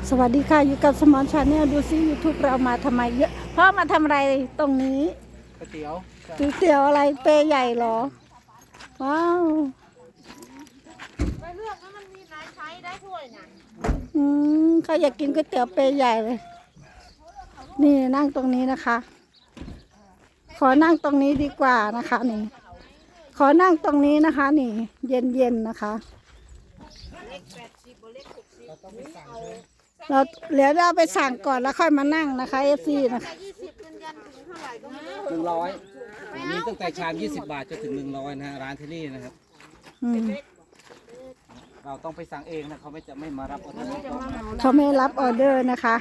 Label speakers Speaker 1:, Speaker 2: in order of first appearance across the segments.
Speaker 1: สวัสดีค่ะอยู่กับสมอนชาแนลดูซิ YouTube เรามาทำไมเยอะพ่อมาทำอะไรตรงนี้
Speaker 2: ก๋วยเตี๋ยว
Speaker 1: ก๋วยเตี๋ยวอะไรเปย์ใหญ่เหรอว้าว
Speaker 3: ไปเลือกแล้วมันมีหลายไซส์ได้ถ้วยน่ะ
Speaker 1: เขาอยากกินก๋วยเตี๋ยวเปย์ใหญ่เลยนี่นั่งตรงนี้นะคะ ขอนั่งตรงนี้ดีกว่านะคะนี่ขอนั่งตรงนี้นะคะนี่เย็นๆนะคะเราเดี๋ยวเราไปสั่งก่อนแล้วค่อยมานั่งนะคะFCนะคะ
Speaker 3: 20เป็นยันถึงเท่าไหร่ก็ไม่รู้
Speaker 2: 100มีตั้งแต่ชาม20 บาทจนถึง100นะฮะร้านที่นี่นะครับเราต้องไปสั่งเองนะเขาไม่มารับออเดอร์
Speaker 1: เขาไม่รับออเดอร์นะคะ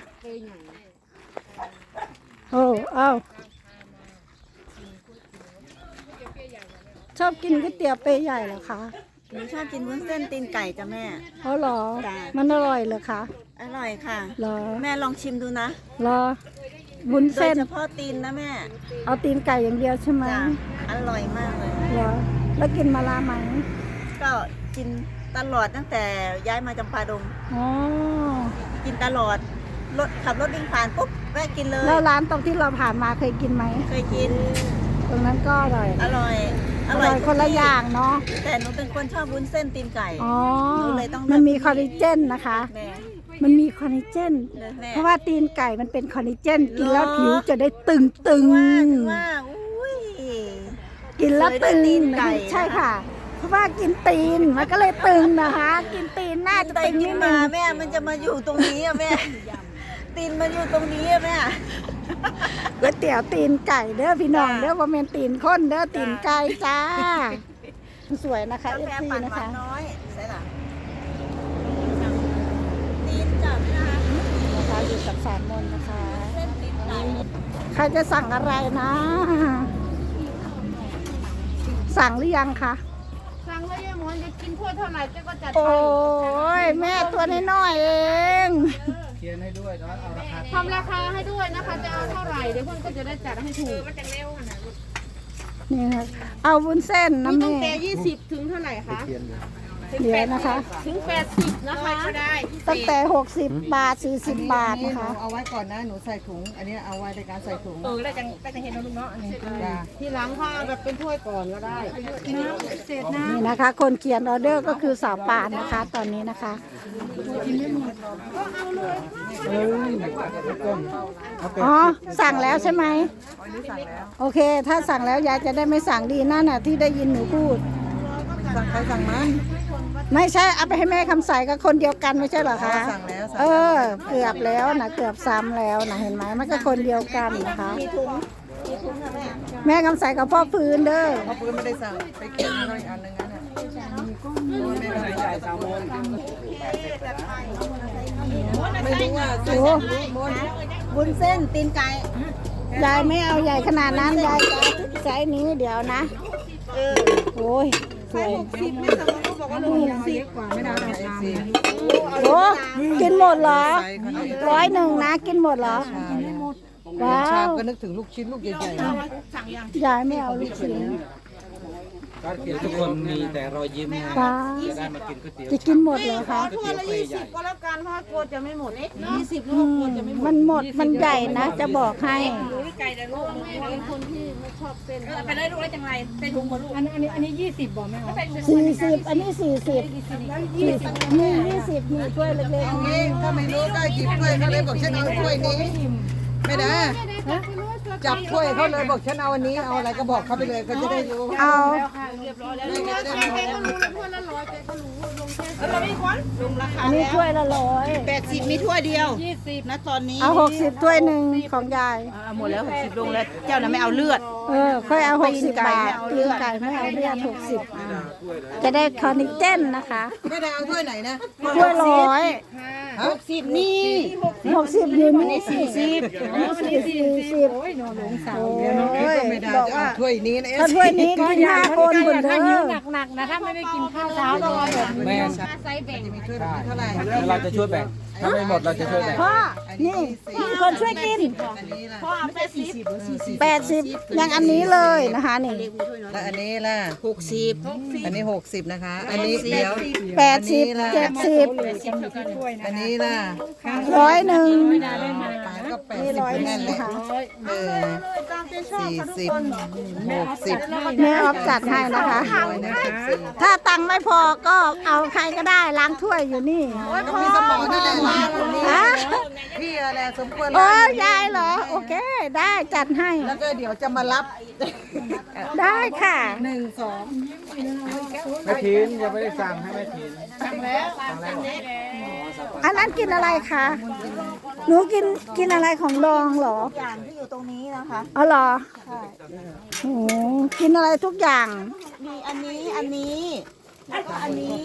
Speaker 1: โอ้เอ้าชอบกินก๋วยเตี๋ยวเปย์ใหญ่เหรอคะ
Speaker 4: หนูชอบกินวุ้นเส้นตีนไก่จ้ะแม่
Speaker 1: เขาหรอ
Speaker 4: จ้ะ
Speaker 1: มันอร่อยเหรอคะ
Speaker 4: อร่อยค่ะ
Speaker 1: หรอ
Speaker 4: แม่ลองชิมดูนะ
Speaker 1: หรอวุ้น
Speaker 4: โดย
Speaker 1: เส้น
Speaker 4: เฉพาะตีนนะแม่
Speaker 1: เอาตีนไก่อย่างเดียวใช่ไหม
Speaker 4: จ้ะอร่อยมากเลย
Speaker 1: หรอแล้วกินมาลาไหม
Speaker 4: ก็กินตลอดตั้งแต่ย้ายมาจำปาดง
Speaker 1: อ๋อ
Speaker 4: กินตลอดขับรถวิ่งผ่านปุ๊บแวะกินเลย
Speaker 1: แล้วร้านตรงที่เราผ่านมาเคยกินไหม
Speaker 4: เคยกิน
Speaker 1: ตรงนั้นก็อร่อย
Speaker 4: อร่อย
Speaker 1: อร่อยคนละอย่างเนาะ
Speaker 4: แต่หนูเป็นคนชอบวุ้นเส้นตีนไก่
Speaker 1: อ๋อ
Speaker 4: หนูเลยต้องเลือก
Speaker 1: มันมีคอลลาเจนนะคะ
Speaker 4: แม่
Speaker 1: มันมีคอลลาเจน
Speaker 4: เลยแม่
Speaker 1: เพราะว่าตีนไก่มันเป็นคอลลาเจนกินแล้วผิวจะได้ตึง
Speaker 4: ถึงว่าอุ้ย
Speaker 1: กินแล้วตึง
Speaker 4: เคยได้ตีนไก่
Speaker 1: ใช่ค่ะ เพราะว่ากินตีนมันก็เลยตึงนะคะ กินตีนน่าจะ
Speaker 4: แต่
Speaker 1: ตึง
Speaker 4: กิ
Speaker 1: นิ
Speaker 4: น
Speaker 1: ด
Speaker 4: มา
Speaker 1: นึง
Speaker 4: แม่มันจะมาอยู่ตรงนี้อะแม่ ตีนมันอยู่ตรงนี้อะแม่
Speaker 1: ก๋วยเตี๋ยวตีนไก่เด้อพี่น้องเด้อว่าเป็นตีนข้นเด้อตีนไก่จ้าสวยนะคะ
Speaker 4: กาแฟ
Speaker 1: FC
Speaker 4: ปั่น
Speaker 1: นะ
Speaker 4: หวา
Speaker 1: คะ
Speaker 4: นน้อยใช่หรอตีนจับนะคะ
Speaker 1: นะคะอยู่กับสามมนนะคะ
Speaker 4: เส้นตีนไก่
Speaker 1: ใครจะสั่งอะไรนะ สั่งหรือยังคะ
Speaker 3: สั่งแล้วยายหมอนจะกินถ้วยเท่าไหร่เจ๊ก็จัด
Speaker 1: โอ้
Speaker 3: ไป
Speaker 1: ยแม่ตัวน้อยๆเอง
Speaker 2: เขียนให้ด้วยนะเอาราคา
Speaker 3: ทำราคาให้ด้วยนะคะจะเอาเท่าไหร่เดี๋ยวเพื่อนก็จะได้จัดให้ถูก
Speaker 1: นี่ค่ะเอาวุ้นเส้น
Speaker 3: มี
Speaker 1: นะ
Speaker 3: ตั้ง
Speaker 1: แม่
Speaker 3: แต่20ถึงเท่าไหร่คะ
Speaker 1: เดี๋ยวนะคะ
Speaker 3: ถึง80นะคะก็ได้
Speaker 1: ตั้งแต่60 บาท40 บาทนะคะ
Speaker 5: เอาไว้ก่อนนะ หนูใส่ถุง อันนี้เอาไว้ในการใส่ถุง
Speaker 3: ได้จังเห็นนะลูกเนาะอันนี้
Speaker 5: จ้า
Speaker 3: ทีหลังค่ะแบบเป็นถ้วยก่อนก็ได้
Speaker 1: นี่นะคะ คนเขียนออเดอร์ก็คือสาวป่านนะคะ ตอนนี้นะคะอ๋อสั่งแล้วใช่ไหมโอเค ถ้าสั่งแล้วยายจะได้ไม่สั่งดีนั่นน่ะที่ได้ยินหนูพูด
Speaker 5: สั่งใครสั่งมัน
Speaker 1: ไม่ใช่เอาไปให้แม่คำใสกับคนเดียวกันไม่ใช่เหรอคะ
Speaker 5: สั่งแล้ว
Speaker 1: เออ เกือบแล้วนะเกือบซ้ำแล้วนะเห็นไหมมันก็คนเดียวกันนะคะ
Speaker 4: มีถุงค่ะแม่
Speaker 1: แม่คำใสกับพ่อพื้นเด้อ
Speaker 5: เพราะปืนไม่ได้สั่ง ไปเก็บให้อันหนึงนั่นน่ะ
Speaker 2: ใหญ่3 โมง
Speaker 5: ไม่รู้ว่า
Speaker 1: โอ้
Speaker 4: วุ้นเส้นตีนไก่
Speaker 1: ยายไม่เอาใหญ่ขนาดนั้นยายจะเอาไซส์นี้เดี๋ยวนะโอ้ยสวย
Speaker 5: ไม่สั่งเขาบอกว่า60กว่าไม่ได้สิ
Speaker 1: โอ้กินหมดเหรอ
Speaker 5: ใส่ขนาด
Speaker 1: 101นะกินหมดเหรอว้า
Speaker 5: ชาม
Speaker 1: ว
Speaker 5: ก็นึกถึงลูกชิ้นลูกใหญ่ๆนะ
Speaker 1: ยายไม่เอาลูกชิ้น
Speaker 2: ร้านเขียนทุกคนมีแต่รอยยิ้มนะ
Speaker 1: ว้า
Speaker 2: จะได้มากินก๋วยเตี๋ยว
Speaker 1: จะกินหมดเหรอคะ
Speaker 3: ถ้วยละ20ก็แล้วกันเพราะว่ากลัวจะไม่หมด20ลู
Speaker 1: อื
Speaker 3: กก
Speaker 1: ม
Speaker 3: ลัวจะไม่หมด
Speaker 1: มันหมดมันใหญ่นะจะบอกให้
Speaker 3: ไก่แต่ลูกเป็นคนที่ไม่ชอบเส้น
Speaker 6: ไปได้ลูกได้จังไรใส่ถุงหมดลูก
Speaker 1: 40อันนี้40นี่20มีถ้วยเล็ก
Speaker 5: เอางี้ถ้าไม่รู้ก็หยิบถ้วยเขาเลยบอกฉันเอาถ้วยนี้ ไม่ได้จับถ้วยเขาเลยบอกฉันเอาอันนี้ เอาอะไรก็บอกเขาไปเลยเขาจะได้รู้
Speaker 1: ๆเอา อันนี้ถ้วยละ100
Speaker 4: 80มีถ้วยเดียว20นะตอนนี้
Speaker 1: เอา60ถ้วยหนึ่งของยาย
Speaker 4: หมดแล้ว60ลงแล้วเจ้าน่ะไม่เอาเลือด
Speaker 1: เออค่อยเอา60 บาทตีนไก่ไม่เอาเลือด60จะได้คอนิเจนนะคะ
Speaker 5: ไม่ได้เอาถ้วยไหนนะ
Speaker 1: ถ้วย100
Speaker 4: 60นี่
Speaker 1: 60อยู่นี่40อันนี้40โอ้ย
Speaker 5: ไม่ได้
Speaker 1: บอก
Speaker 5: จะเอา
Speaker 1: ว่า
Speaker 5: ถ้วยนี้นะ
Speaker 1: ถ้าถ้วยนี้กิน5 คนบนเด้อ
Speaker 3: หนักนะถ้าไม่ได้กินข้าวเช้าต้องรอแบบ
Speaker 2: แม่
Speaker 3: ไซส์แบ่ง
Speaker 5: มีถ้วยแบบนี้เท่าไหร่
Speaker 2: แล้วเราจะช่วยแบ่งถ้าไม่หมดเราจะช่วยแบ่ง
Speaker 1: พ่อนี่มีคนช่วยกิน
Speaker 5: อันนี้ล่ะ
Speaker 3: พ่อเอาไป40
Speaker 1: 80อย่างอันนี้เลยนะคะนี่
Speaker 5: แล้วอันนี้ล่ะ
Speaker 3: 60
Speaker 5: อันนี้60นะคะ อันนี้เดี๋ยว
Speaker 1: 80 70
Speaker 5: อันนี้ล่ะ
Speaker 1: 100
Speaker 5: ปลาก็แปด
Speaker 1: นี่
Speaker 5: สิบ
Speaker 1: 100
Speaker 5: นั่นแหละ
Speaker 1: นะคะ
Speaker 3: ตามใจชอบ
Speaker 5: 40 60
Speaker 1: แม่ออฟจัดให้นะคะ ถ้าตังค์ไม่พอก็เอาใครก็ได้ล้างถ้วยอยู่นี่
Speaker 5: ก็มีสมองนั่นแหละล้างคนนี้
Speaker 1: ฮะ
Speaker 5: พี่อะไรสมควร
Speaker 1: โอ้
Speaker 5: ล้าง
Speaker 1: ยายเหรอ โอเค ได้จัดให้
Speaker 5: แล้วก็เดี๋ยวจะมารับ
Speaker 1: ได้ค่ะ
Speaker 5: 1 2
Speaker 2: แม่ถินยังไม่ได้สั่งให้แม่ถิน
Speaker 1: อันนั้นกินอะไรคะ หนูกินอะไรของดองเหรอ
Speaker 4: อย่างที่อยู่ตรงนี้นะคะ
Speaker 1: อ๋อเหรอโอ้กินอะไรทุกอย่าง
Speaker 4: มีอันนี้แล้วก็อันนี้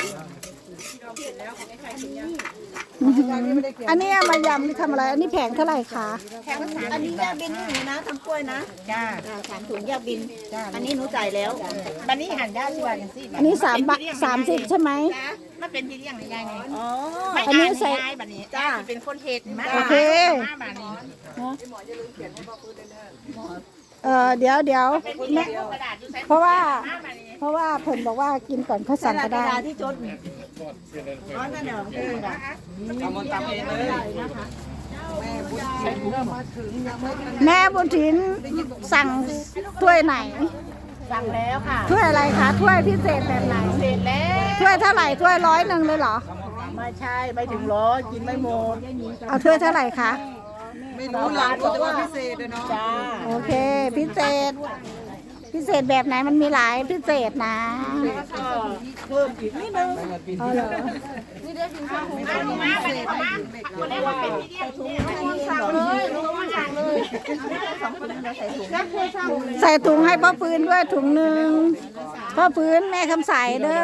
Speaker 1: อันนี้เอามายำนี่ทำอะไร อันนี้แผงเท่าไหร่คะ
Speaker 4: อันนี้แยกบินให้หนูนะทำกล้วยนะจ้า3 ถุงแยกบินอันนี้หนูจ่ายแล้ว
Speaker 3: บันนี้หันได้สิว่าอย่างสิ
Speaker 1: อันนี้30ใช่ไหม
Speaker 3: มันเป็นที่เลี้ยงในยายไง
Speaker 4: อ๋อ
Speaker 3: ไม่
Speaker 1: อันนี้
Speaker 3: อ่าน
Speaker 1: ใส่
Speaker 3: ยายบัดนี้จ้าเป็นคนเฮ็ดมา
Speaker 1: โอเค
Speaker 3: มาบัดนี้
Speaker 1: เดี๋ยวแม่
Speaker 3: กระดาษอยู่ใส่
Speaker 1: เพราะว่า
Speaker 3: มาบัดนี้
Speaker 1: เพราะว่าเพิ่นบอกว่ากินก่อนเขาสั่งก็ได้
Speaker 4: เวลาที่จดอ๋อนั่นเหรอ
Speaker 2: ทำมันตำเองเลย
Speaker 1: แม่บุญถินสั่งถ้วยไหน
Speaker 3: สั่งแล้วค่ะ
Speaker 1: ถ้วยอะไรคะ ถ้วยพิเศษแบบไหน
Speaker 3: เสร็จแล้ว
Speaker 1: ถ้วยเท่าไหร่ ถ้วย100เลยเหรอ
Speaker 3: ไม่ใช่ไม่ถึงร้อยกินไม่หมด
Speaker 1: เอาถ้วยเท่าไหร่คะ
Speaker 5: ไม่รู้หลังแต่ว่าพิเศษเลยเนาะ
Speaker 3: จ้า
Speaker 1: โอเค พิเศษ พิเศษแบบไหนมันมีหลายพิเศษนะ
Speaker 3: ก็เพิ่มอีกนิดนึง
Speaker 1: เอาเหรอ
Speaker 3: มาดูมาบัดนี้มาคนแรกว่าเป็นที่เลี้ยงเนี่ยสั่งเลยรู้ว่าสั่งเลย
Speaker 1: ใส่ถุงให้พ่อฟื้นด้วยถุงหนึ่งพ่อฟื้นแม่คำใสเด้อ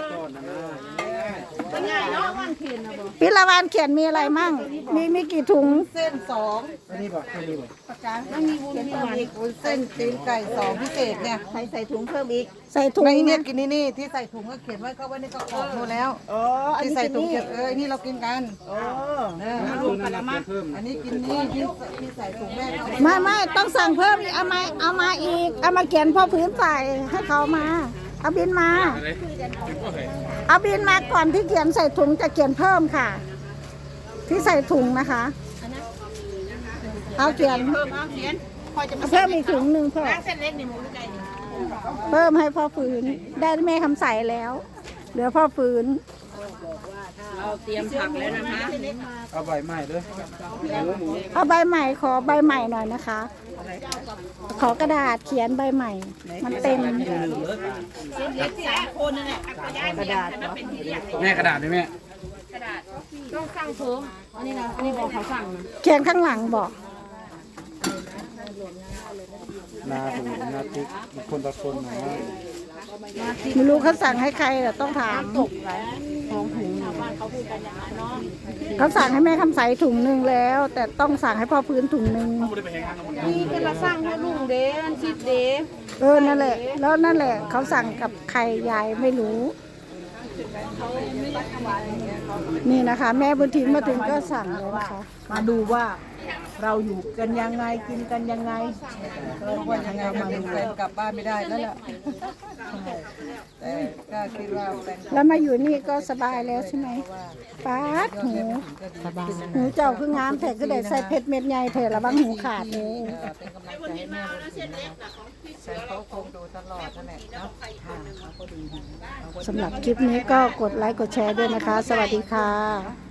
Speaker 3: เป็นไงเนาะวันเพ็ญนะบ่
Speaker 1: พิลาวานเขียนมีอะไรมั่ง มีกี่ถุง
Speaker 5: เส้น2
Speaker 2: อันนี้บอกอันนี้บอก
Speaker 5: เส้นตีนไก่2พิเศษเนี่ย
Speaker 4: ใส่ถุงเพิ่มอีก
Speaker 1: ใส่ถุง
Speaker 5: ในเนี่
Speaker 1: นะ
Speaker 5: ยกินนี่ที่ใส่ถุงก็เขียนไว้เขาไว้ในกระป๋องดูแล้ว
Speaker 4: อ๋ออัน
Speaker 5: ที่
Speaker 4: นี้
Speaker 5: ใส่
Speaker 4: กิน
Speaker 5: ถุง
Speaker 4: นี่
Speaker 5: เขียนนี่เรากินกัน
Speaker 4: อ๋อ
Speaker 2: รวมกันแล้วมาเพิ่ม
Speaker 5: อันนี้กินนี่ที่ใส่ถุงแม่เขา
Speaker 1: ไม่ต้องสั่งเพิ่มอีกเอามาอีก เอามาเขียนพ่อพื้นใส่ให้เขามา เอาบินมา เอาบินมาก่อนที่เขียนใส่ถุงจะเขียนเพิ่มค่ะ ที่ใส่ถุงนะคะ เอาเขียน
Speaker 3: เพิ่มเอาเขียนพอจะมา
Speaker 1: เอาเพิ่มอีกถุงหนึ่งเพิ่ม
Speaker 3: ล้างเส้นเล็กนี่หมูหรือไก่นี่
Speaker 1: เพิ่มให้พ่อฟื้นได้แม่คำใสแล้ว เหลือพ่อฟื้น
Speaker 6: เราเตรียมผักแล้วนะคะ
Speaker 2: เอาใบใหม่ด้วยหมู
Speaker 1: เอาใบใหม่ขอใบใหม่หน่อยนะคะ ขอกระดาษเขียนใบใหม่ มันเต็ม
Speaker 3: คนนึงเนี่ยกระดาษเนาะ
Speaker 2: แม่กระดาษด้วยแม่
Speaker 6: ต้องสั่งเพิ่มอันนี้นะอันนี้บอกเขาสั่งนะ
Speaker 1: เขียนข้างหลังบอก
Speaker 2: นาถูนาติ๊กคนต่อคนนะ
Speaker 1: ไม่รู้เขาสั่งให้ใครแต่ต้องถามเขาสั่งให้แม่คำใสถุงหนึ่งแล้ว แต่ต้องสั่งให้พ่อพื้นถุงหนึ่ง
Speaker 6: นี่เป็นละสั่งให้ลุงเด้อันชิดเด้
Speaker 1: นั่นแหละ แล้วนั่นแหละ เขาสั่งกับใครยายไม่รู้ นี่นะคะ แม่บุญถินมาถึงก็สั่งเลยนะคะ
Speaker 4: มาดูว่าเราอยู่กันยังไงกินกันยังไง
Speaker 5: ว่ายังไงก็เป็นแฟนกลับบ้านไม่ได้แล้วล่ะแต่ก็คิดว่าแฟน
Speaker 1: แล้วมาอยู่นี่ก็สบายแล้วใช่ไหมป๊าดหูหูเจ้าคืองามแต่ก็ได้ใส่เพชรเม็ดใหญ่เถอะระวังหูขาดเลย
Speaker 5: เป็นกำลังใจให้แม่แต่เขาคงดูตลอดนั่นแหละเนาะค่ะเขาก็ดีนะ
Speaker 1: สำหรับคลิปนี้ก็กดไลค์กดแชร์ด้วยนะคะ สวัสดีค่ะ